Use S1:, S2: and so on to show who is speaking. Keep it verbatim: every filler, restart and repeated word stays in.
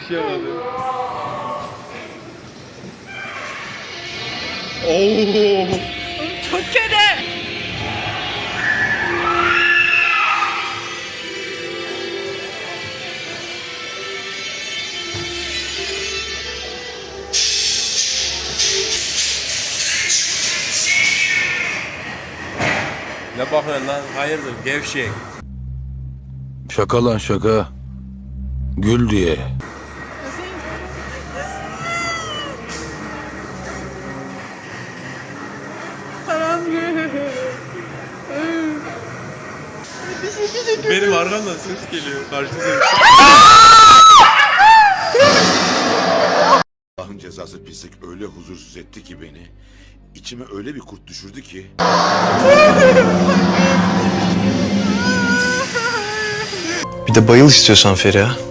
S1: Yaşayamadım. Oo.
S2: Çok kötü.
S1: Ne bakıyorsun lan? Hayırdır gevşek.
S3: Şaka lan şaka. Gül diye.
S1: Benim arkamdan ses geliyor. Karşı ses.
S4: Allah'ın cezası pislik öyle huzursuz etti ki beni. İçime öyle bir kurt düşürdü ki.
S5: Bir de bayıl istiyorsan Feriha.